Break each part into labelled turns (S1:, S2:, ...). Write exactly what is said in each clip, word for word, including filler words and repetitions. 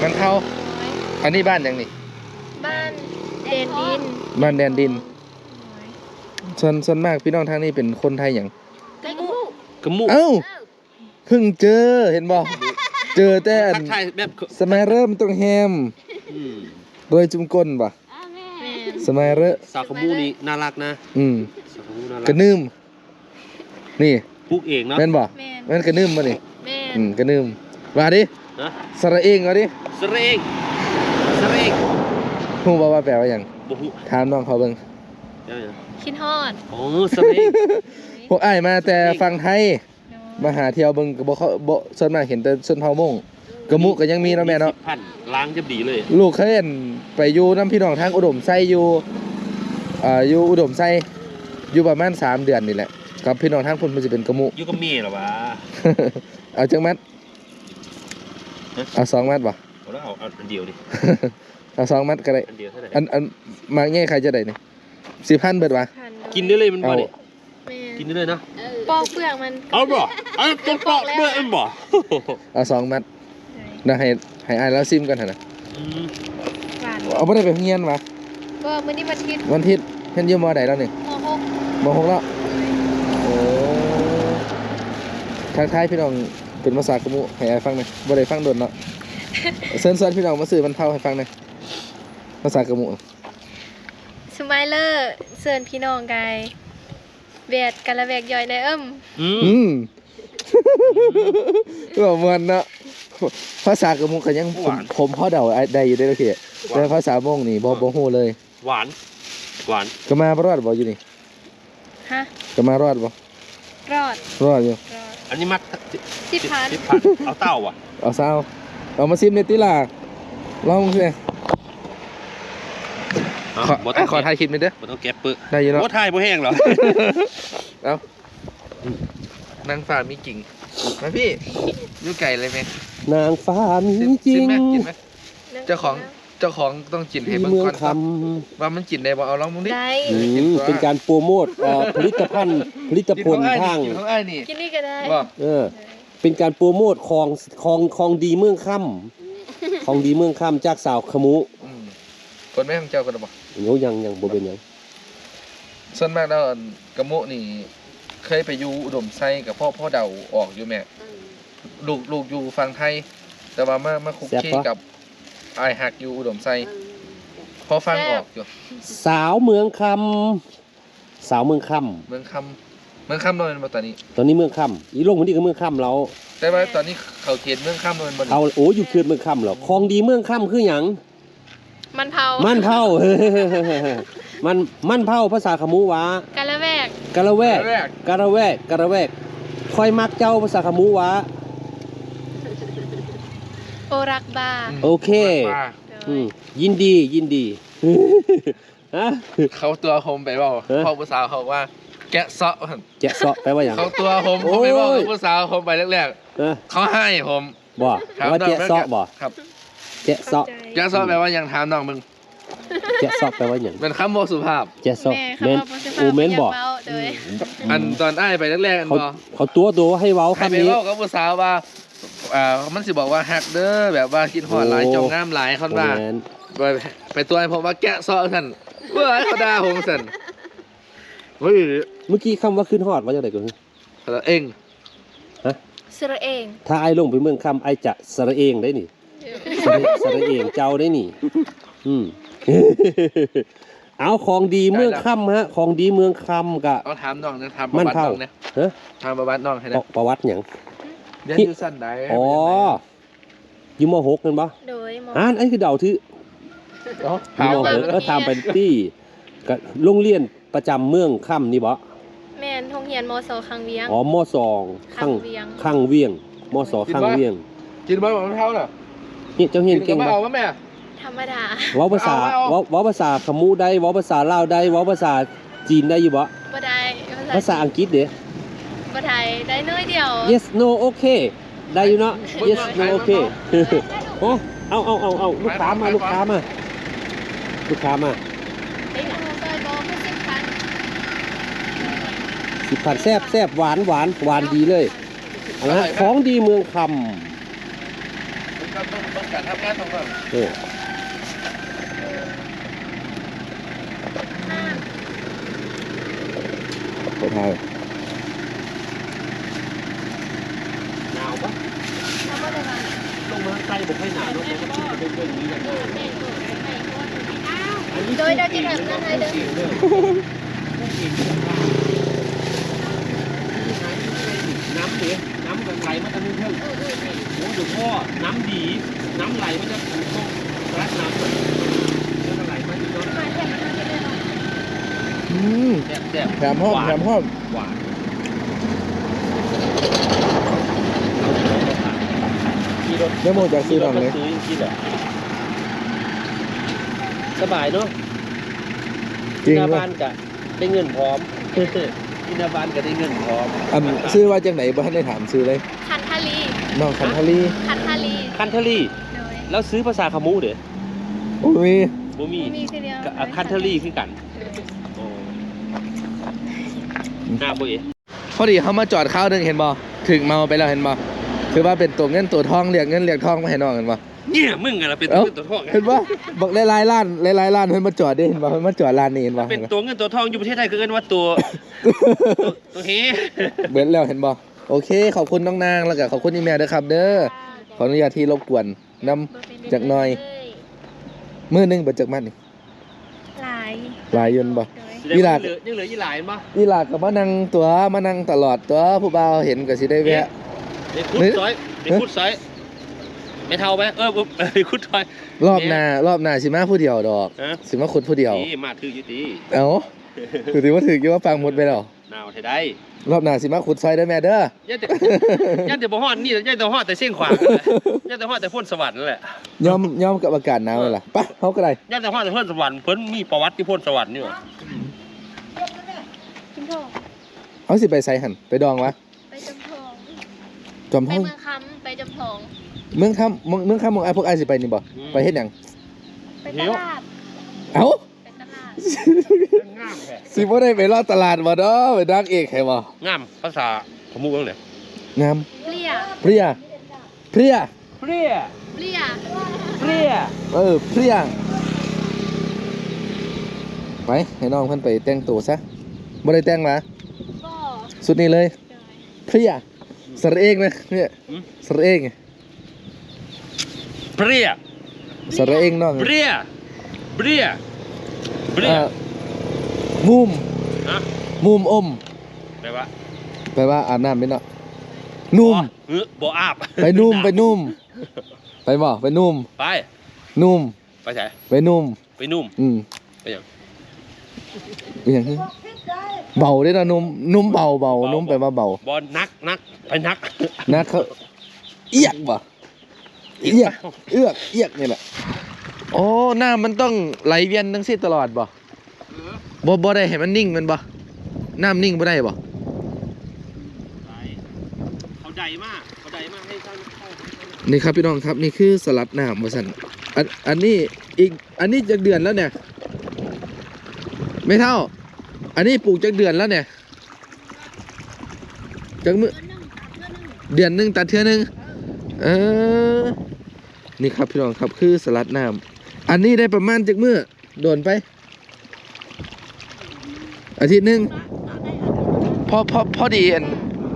S1: มันเท่าอันนี้บ้านยังนี่
S2: บ้านแดนดิน
S1: บ้านแดนดินส่วนส่วนมากพี่น้องทางนี้เป็นคนไทยอย่าง
S2: กระมุ
S3: กระมุ
S1: เอ้าเพิ่งเจอเห็นบ่เจอแต่สมัยเริ่มต้องแฮมโดยจุ่มก้นป่ะสมัยเริ่ม
S3: สาวขมูนี่น่ารักนะ
S1: อืมกระนึ่มนี่
S3: ปลูกเองเนาะ
S1: แม่นบ่แม่นกระนึ่มบ่นี่อืมกระนึ่มว่าดิสระเองว่าดิ
S3: สระเองสระเอง
S1: ฮู้บ่ว่าแปลว่าหยัง
S3: บ่ฮู้
S1: ถามน้องเขาเบิ่ง
S2: คิดฮอด
S3: โอ้สระเอง
S1: พวกอ้ายมาแต่ฝั่งไทยมาหาเที่ยวเบิ่งก็บ่เขาบ่ส่วนมากเห็นแต่ชนเผ่ามงกระมุก็ยังมีเนาะแม่เนาะ
S3: พันล้างจะดีเลย
S1: ลูกเคยเห็นไปอยู่น้ำพี่น้องทางอุดมไส้อยู่อ่าอยู่อุดมไส้อยู่ประมาณสามเดือนนี่แหละกับพี่น้องทางพุ่นมันจะเป็นกระมุ
S3: อยู่กับเมียเหรอวะ
S1: เอาจังมัดเอาสองมัดป่ะ
S3: เอาแล้วเอาอันเดียวดิ
S1: เอาสองมัดก็ได้
S3: อันเดียวเท่าไหร่
S1: อันอันมากแง่ใครจะได้เนี่ยสิบพันเบิดวะ
S3: กินได้เลยมันบ่ดิกินได้เลยนะ
S2: ปอกเปลือกมัน
S3: เอาบ่เอาต้องปอกเปลือกมันบ่
S1: เอาสองมัดนะให้ให้อายแล้วซิมกันเถอะนะเอาไม่ได้ไปเฮียนวะ
S2: ก็วันนี้วันอาทิตย์
S1: วันอาทิตย์เฮียนอยู่มอใดแล้วนี่
S2: มหก
S1: มหกแล้วโอ้ทางไทยพี่น้องเป็นภาษากะมุให้อายฟังหน่อยบ่ได้ฟังโดนเนาะเซิร์นเซิร์นพี่น้องมาสื่อมันเท่าให้ฟังหน่อยภาษากะมุ
S2: สมัยเลอร์เซิร์นพี่น้องไกแวดกันละแวกย่อยในเอิ่ม
S1: อืมก็เหมือนเนาะภาษากะมุกันยังผมพ่อเดาได้อยู่ได้แล้วพี่แต่ภาษามงนี่บ่บ่ฮู้เลย
S3: หวานหวาน
S1: ก็มารอดบ่อยู่นี่
S2: ฮะ
S1: ก็มารอดบ่
S2: รอด
S1: รอดอยู่
S3: อันนี้มัด
S2: สิบพัน
S3: เอาเต้าอ่ะ
S1: เอาเต้าเอามาซิมในติล่ะลองสิขอขอถ่ายคลิปนิดเด้อ
S3: บ่ต้องแกะเปื้อ
S1: ได้อยู่เนาะ
S3: บ่ถ่ายบ่แห้งหรอ
S1: เอานางฟ้ามีกิ่งมาพี่อยู่ไก่เลยไหม
S3: นางฟ้ามีจริง
S1: เจ้าของเจ้าของต้องจินให้เบิ่งก่อนว่ามันจินได้บ่เอาลองมึงดิ
S3: เป็นการโปรโมทผลิตภัณฑ์ผลิตผลทาง
S2: กินนี่ก็ได้
S3: เออเป็นการโปรโมทของของของดีเมืองค่ำของดีเมืองค่ำจากสาวขมุ
S1: คนไม่ของเจ้ากันบ่
S3: โยยังยังบ่เป็นยัง
S1: ส่วนมากแล้วกะมุนี่เคยไปอยู่อุดมไซกับพ่อพ่อเดาออกอยู่แม่ลูกลูกอยู่ฝั่งไทยแต่ว่ามามาคุกคีกับไอหักอยู่อุดมไซพอฟังออกอยู่
S3: สาวเมืองคำสาวเมืองค
S1: ำเมืองคำเมืองคำนอนมาตอนนี้
S3: ตอนนี้เมืองคำอีลงคนนี้ก็เมืองคำเรา
S1: แต่ว่าตอนนี้เขาเขียนเมืองคำนอนบน
S3: เขาโอ้อยู่เขตเมืองคำเหรอคลองดีเมืองคำคือหยัง
S2: มันเผา
S3: มันเผามันมันเผาภาษาขมูวะ
S2: กะละแวก
S3: กะละแวกกะละแวกกะละแวกคอยมักเจ้าภาษาขมูวะ
S2: โอรักบา
S3: โอเคยินดียินดี
S1: เขาตัวโฮมไปบอกพ่อภาษาเขาว่าแกะเซาะ
S3: แกะเซาะแปลว่าอย่าง
S1: เขาตัวโฮมเขาไปบอกภาษาโฮมไปแรกๆเขาให้ผม
S3: บ่ว่าแกะเซาะบ่
S1: ครับ
S3: แกะเซาะ
S1: แกะเซาะแปลว่ายังถามน้องมึง
S3: แกะซอกแปลว่าอย่าง
S1: เป็นคำโมสุภาพ
S3: แกะซอกเมนอูเมนบอก
S1: อันตอนอ้ายไปแรกๆอันบอ
S3: เขาตัวตัวให้เว้าคำนี้
S1: ให้ไปเว้ากับภาษาว่าอ่ามันสิบอกว่าฮักเด้อแบบว่าคิดหอดหลายจงงามหลายคนว่าไปไปตัวให้ผมว่าแกะซอกท่านเมื่อเขาด่าผมสั่นเฮ้ย
S3: เมื่อกี้คำว่าขึ้นหอดว่าจะไหนกัน
S1: สระเอง
S3: ฮะ
S2: สระเอง
S3: ถ้าไอ้ลงไปเมืองคำไอ้จะสระเองได้นี่สระเองเจ้าได้นี่อืมเอาของดีเมืองค่ำฮะของดีเมืองค่ำกะ
S1: เอาถามน้องนะถามประวัติน้องนะ
S3: ฮะ
S1: ถามประวัติน้องให้นะ
S3: ประวัติอย่าง
S1: เรียนอยู่สั้นใด
S3: อ๋ออยู่ม.หกกันปะ
S2: โดยม.
S3: อ่านไอ้คือเดาที่
S1: ถามไป
S3: ก็ถามไปที่กับโรงเรียนประจำเมืองค่ำนี่บ่
S2: แม่นโรงเรียนม.ส.คังเวียง
S3: อ๋อม.สองคังคังเวียงม.ส.คังเวียง
S1: กินบ้างของเท่าน่ะ
S3: นี่เจ้าเห็นเก่ง
S1: ป่ะเอาแม่
S2: ธรรมดา
S3: เว้าภาษาเว้าเว้าภาษาขมูได้เว้าภาษาลาวได้เว้าภาษาจีนได้อยู่บ่
S2: บ่ได้
S3: ภาษาอังกฤษเด้
S2: บ่ได้ได้น้อยเดียว
S3: yes no okay ได้อยู่เนาะ yes no okay ฮะเอาเอาเอาเอาลูกค้ามาลูกค้ามาลูกค้ามาสิบพันแซ่บแซ่บหวานหวานหวานดีเลยนะของดีเมืองคำ
S1: เบิ่งการทำงานของเรา
S3: เออไปทางหนาวปะ
S2: แล้วก็เลยมา
S3: ลงมาใต้บอกให้หนาวเนาะเพราะว่าที่จะเป็นเรื่องนี้อย่างเดียวอันนี้
S2: โดยเราจะทำนั่นให้เด้อ
S3: น้ำเสียน้ำมันไหลมาทางนี้เพิ่มโอ้หลวงพ่อน้ำดีน้ำไหลมันจะถูกต้องรัดน้ำแล้วมันไหลมาที่โน้น
S2: มาแข่งมาจะได้เนาะ
S1: อืม
S3: แซ่บแซ่บ
S1: แถมห้อมแถมห้อม
S3: หวานขี่รถ
S1: ได้โมจากซื้อหนังเลย
S3: ซื้อกินเหรอสบายเนาะ
S1: จริง
S3: หน้า
S1: ป่ะ
S3: บ้านกะได้เงินพร้อมที่หน้าบ้านก็ได้เงินพร้อม
S1: อันซื้อว่าจังไหนบ้านได้ถามซื้อเลย
S2: คันทาลี
S1: น้องคันทารี
S2: คันทาลี
S3: คันทรี
S2: โดย
S3: แล้วซื้อภาษาขมูเด้อ
S1: โอ้ย
S3: บ่มี
S2: มีคือเดียว
S3: กับคันทรีคือกันโอ้หน้าบ่เอ๋
S1: พอดีเขามาจอดข้าวหนึงเห็นบ่ถึงเมาไปแล้วเห็นบ่ถือว่าเป็นตัวเงินตัวทองเรียกเงินเรียกทองมาให้น้องเห็นบ่
S3: เนี่ยมึงอะล่ะเป็น
S1: เอ้า
S3: ตัวเงินตัวทอง
S1: เห็นบ่บอกหลายๆร้านหลายๆร้านเพิ่นมาจอดได้เห็นบ่เพิ่นมาจอดร้านนี้เห็นบ่
S3: เป็นตัวเงินตัวทองอยู่ประเทศไทยคือเอิ้นว่าตัวตัวตัวเฮ
S1: เบิดแล้วเห็นบ่โอเคขอบคุณน้องนางแล้วก็ขอบคุณอีแม่ด้วยครับเด้อขออนุญาตที่รบกวนนำ จักหน่อย มื้อหนึงเบิดจักมัดนี่
S2: หลาย
S1: หลายอยืนบ่
S2: โดย
S3: ยังเหลือยังเหลืออีหลายมั้ย
S1: อีหลาก็มานั่งตัวมานั่งตลอดตัวผู้บ่าวเห็นก็สิได้แวะ
S3: เด็กคุดซอยเด็กคุดซอยไม่เท่าไหมเออปุ๊บเด็กคุดซอย
S1: รอบหน้ารอบหน้าสิมาผู้เดียวดอก
S3: ฮะ
S1: สิมาขุดผู้เดียว
S3: นี่มาถืออยู่ตี
S1: เอ้าคือสิว่าถึกอยู่ว่าฟังหมดไปแล้ว
S3: หนาวไทยได้
S1: รอบหน้าสิมาขุดซอยเด้อแม่เด้อ
S3: ย่าแต่ย่าแต่บ่ฮอดนี่ย่าแต่ฮอดแต่เส้นขวางนั่นแหละย่าแต่ฮอดแต่พ้นสวรรค์นั่นแหละ
S1: ยอมยอมกับอากาศหนาวเลยล่ะไปเฮาก็ได้
S3: ย่าแต่ฮอดแต่พ้นสวรรค์เพิ่นมีประวัติที่พ้นสวรรค์นี่หว่า
S2: กินทอง
S1: เอาสิไปไสหั่นไปดองวะ
S2: ไปจำทอง
S1: จอม
S2: ไป
S1: ทอง
S2: เมืองคำไปจำทอง
S1: เมืองค่ำเมืองเมืองค่ำเมืองไอ้พวกไอ้ายสิไปนี่บ่ไปเฮ็ดหยัง
S2: ไปตลาด
S1: เอ้า
S2: ไปตลาด
S3: งามแท้
S1: สิบ่ได้ไปรอดตลาดบ่เด้อไปดักเอกให้บ่
S3: งามภาษาขมูจังได๋
S1: งาม
S2: เปลี่ย
S1: เพรียเพรีย
S3: เปรี้ย
S2: เปลี่ย
S3: เปรี้ย
S1: เออเพรียไปให้น้องเพิ่นไปแต่งตัวซะบ่ได้แต่งหรอ
S2: ก็
S1: สุดนี้เลย
S2: โดย
S1: เพรียสระเองนะเนี่ยสระเอง
S3: เปรี้ย
S1: สระเองน้อง
S3: เปรี้ยเปรี้ยเปรี้ย
S1: เอ่อมุม
S3: ฮะ
S1: มุมอม
S3: แปลว่า
S1: แปลว่าอาบน้ำไปเนาะนุ่ม
S3: เออบ่อาบ
S1: ไปนุ่มไปนุ่มไปบ่ไปนุ่ม
S3: ไป
S1: นุ่ม
S3: ไปไส
S1: ไปนุ่ม
S3: ไปนุ่ม
S1: อืม
S3: ไปหยัง
S1: เป็นหยังคือเบาเด้อนะนุ่มนุ่มเบาเบานุ่มไปว่าเบา
S3: บ่นักนักไปนัก
S1: นะเขาเอียกบ่เอียกเอือกเอียกนี่แหละโอ้หน้ามันต้องไหลเวียนทั้งสิ้นตลอดบ่บ่บ่ได้ให้มันนิ่งแมันบ่น้ำนิ่งบ่ได้บ่
S3: เขาใหญ่มากเขาใหญ่มากให้เข้าเข้า
S1: นี่ครับพี่น้องครับนี่คือสลัดน้ำว่าซั่นอันอันนี้อีกอันนี้จักเดือนแล้วเนี่ยไม่เท่า อันนี้ปลูกจักเดือนแล้วเนี่ยจักมื้อเดือนหนึงตัดเทื่อหนึงเออนี่ครับพี่น้องครับคือสลัดน้ำอันนี้ได้ประมาณจักมื้อโดนไป อาทิตย์หนึงพอพอพอดีอัน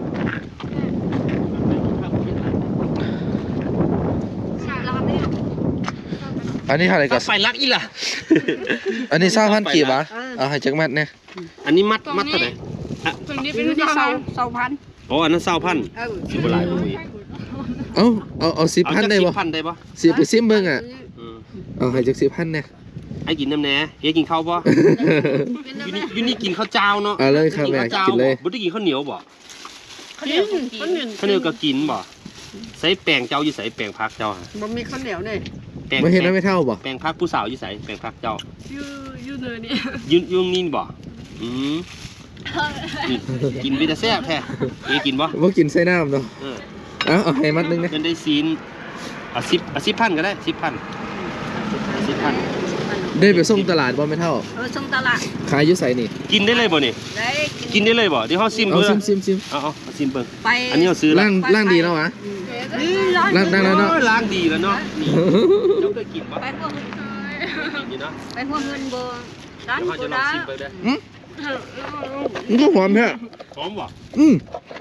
S1: อันนี้เท่าไหร่ก็
S3: ไฟลักอีล่ะ
S1: อันนี้สามพันกี่บาทเอาให้จักมัดเนี่ย
S3: อันนี้มัดมัดเท่าไหร่
S4: ตรงนี้เป็นที่เสาเสาพัน
S3: อ๋ออันนั้นเศร้าพัน
S4: เออ
S3: สิบหลายบ่มี
S1: เอาเอาเอาสิบพันได้บ่
S3: พันได้ปะ
S1: สิไปซิมเบิ่งอ่ะ
S3: อืม
S1: เอาให้จักสิบพันเนี่ย
S3: ให้กินน้ำแหน่เฮ้ยกินข้าวปะยูนี่ยูนี่กินข้าวเจ้าเนาะ
S1: เอาเลยครับแม่
S3: ข้าว
S1: กินเลย
S3: บ่ได้กินข้าวเหนียวบ่
S4: ข้าวเหนียวข้าวเหนียว
S3: ข้าวเหนียวก็กินบ่ใส่แป้งเจ้าอยู่ใส่แป้งพักเจ้าฮะ
S4: บ่มีข้าวเหนียวเนี่ย
S3: แป้ง
S1: ไม่เห็นแล้วไม่เท่าบ่
S3: แป้งพักผู้สาวอยู่ใส่แป้งพักเจ้า
S4: ยูยูเนยนี่
S3: ยืนยืนนี่บ่อืมนี่กินไปแต่แซ่บแท้เอ้ยกินบ่
S1: บ่กินใส่น้ำเนาะ
S3: เออ
S1: เอาเอาให้มัดหนึงนะ
S3: เงินได้ซีนอ่ะสิบอ่ะสิบพันก็ได้สิบพันสิบพัน
S1: ได้ไปส่งตลาดบ่ไม่เท่า
S4: เออส่งตลาด
S1: ขายอยู่ไสนี่
S3: กินได้เลยบ่นี่
S4: ได้
S3: กินได้เลยบ่เดี๋ยวเฮาซิม
S1: เอา
S3: เบิ่ง
S1: ซิมซิมซิม
S3: เอาเอาเอาซิมเบิ่ง
S4: ไป
S3: อันนี้เราซื้อละ
S1: ล่างล่างดีแล้ววะ
S4: อืมนี่ล้าง
S1: ล้างได้แล้วเนาะ
S3: โอ้ยล้างดีแล้วเนาะนี่เจ้าเคยกินปะ
S4: ไปพวก
S3: กินนี่เนาะ
S4: ไปพวกเงินบ่ร้าน
S3: เดี๋ยวเขา
S4: กู
S3: จะลอง
S4: ได้
S3: ชิมไปด้วย
S1: มันก็หอมแท้
S3: หอมบ่
S1: อืม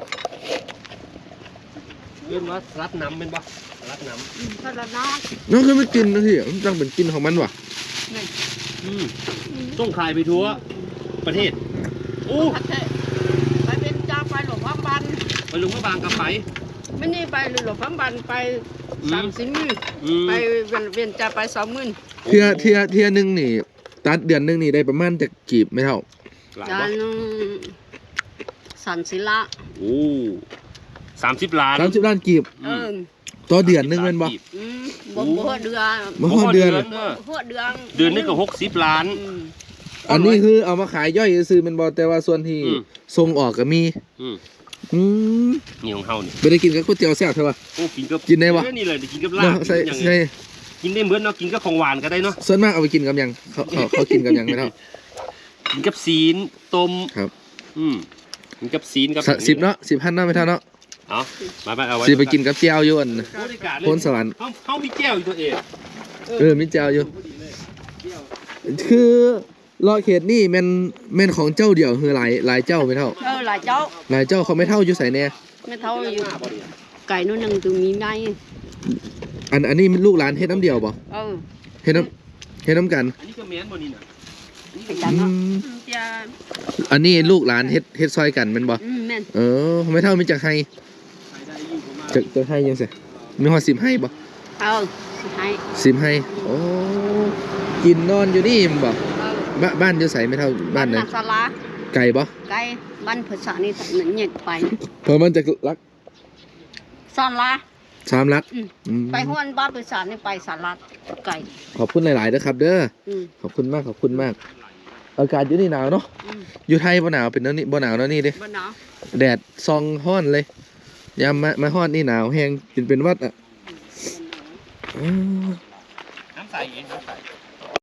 S3: เรียกว่ารัดน้ำเป็นปะรัดน้
S4: ก็ละน้อง
S1: นั่นคือไม่กินนะที่มันตั้งเป็นกินของมันว่ะ
S3: ำอืมต้องขายไปทั่วประเทศโอ้
S4: ไปเป็นจ้าไปหลวงพ่อบัน
S3: ไปลุงพระบางกับไป
S4: ไม่นี่ไปหลวงพ่อบันไปสามสิบหมื่น
S3: อืม
S4: ไปเวียนเวียนจ้าไปสองหมื่น
S1: เทียเทียเทียหนึงนี่ตัดเดือนหนึงนี่ได้ประมาณจะกีบไม่เท่า
S3: หลาย
S4: จา
S3: ปะ
S4: นสันศิลา
S3: โอ้สามสิบล้าน
S1: สามสิบล้านกีบ
S4: เออ
S1: ต่อเดือนหนึงแมันบ่
S4: อืมบ่บ่เดือน
S1: มาฮอดเดือน
S3: เออ
S4: บ่เดือน
S3: เดือนนึงก็หกสิบล้าน
S4: อืม
S1: อันนี้คือเอามาขายย่อยซื้อแมันบ่แต่ว่าส่วนที่
S3: อืม
S1: ส่งออกก็มี
S3: อืม
S1: อืม
S3: นี่ของเฮานี่
S1: ไปได้กินกับก๋วยเตี๋ยวแซ่บเท่าป่ะ
S3: โอ้กินกับ
S1: กินได้ปะ
S3: เออนี่เลยกินกับลา
S1: เนาะ
S3: บ
S1: ใส่
S3: อย่าง
S1: ใส่
S3: นี้กินได้เหมือนเนาะกินกับของหวานก็ได้เนาะ
S1: ส่วนมากเอาไปกินกับหยังเขาเขาเขากินกับหยังไม่เท่า
S3: กินกับซีนต้ม
S1: ครับ
S3: อืมกินกับซีนกับ
S1: สะสิบเนาะสิบพันเนาะไม่เท่าเนาะ
S3: เอามาไปเอาไว้
S1: สิไปกินกับเจียวอยู่อัน
S3: โอ้ได้การเลย
S1: โพนสวรรค์
S3: เฮาเฮามีแก้วอยู่ตัวเอง
S1: เออมีเจียวอยู่ คือรอเขตนี่แม่นแม่นของเจ้าเดียวคือหลายหลายเจ้าไม่เท่า
S4: เออหลายเจ้า
S1: หลายเจ้าเขาไม่เท่าอยู่ใส่แน่
S4: ไม่เท่าอยู่ไก่นู่นนึงตัวมีใน
S1: อันอันนี้มันลูกหลานเฮ็ดน้ำเดียวบ่
S4: เออ
S1: เฮ็ดน้ำเฮ็ดน้ำกัน
S3: อันนี้ก็แม่นบ่นี่น่ะ
S4: ไปจัน
S1: อื
S4: เนาะ
S1: ม
S4: จะ
S1: อันนี้ลูกหลานเฮ็ดเฮ็ดซอยกันแมันบ่
S4: อืมแม่น
S1: เออไม่เท่ามีจักให้
S3: ขายได้อยู่ประมาณ
S1: จักจักให้ยังไงมีฮอดสิบให้บ่
S4: เออสุดท้าย
S1: สิบให้โอ้กินนอนอยู่นี่มันบ่
S4: เออ
S1: บ้านบ้านอยู่ไสไม่เท่าบ้านไหน
S4: นาศาลา
S1: ไกลบ่
S4: ไก่บ้านภาษานี่นั่นเหยียดไป
S1: เพราะมันจะรัก
S4: ศาลา
S1: สามลัก
S4: อืม
S1: อืม
S4: ไปห้วนบ้านภาษานี่ไปศาลาไก่
S1: ขอบคุณหลายๆเด้อครับ เด้อ
S4: อืม
S1: ขอบคุณมากขอบคุณมาก อากาศอยู่นี่หนาวเนาะ
S4: อืม
S1: อยู่ไทยบ่หนาวเป็นแนวนี้บ่หนาวแนวนี้เด้
S4: บ้านหนาว
S1: แดดซองฮ้อนเลยยามมามาฮ้อนนี่หนาวแฮงเป็นเป็นหวัดอ่ะอืม
S3: น้ำใสเองน้ำใส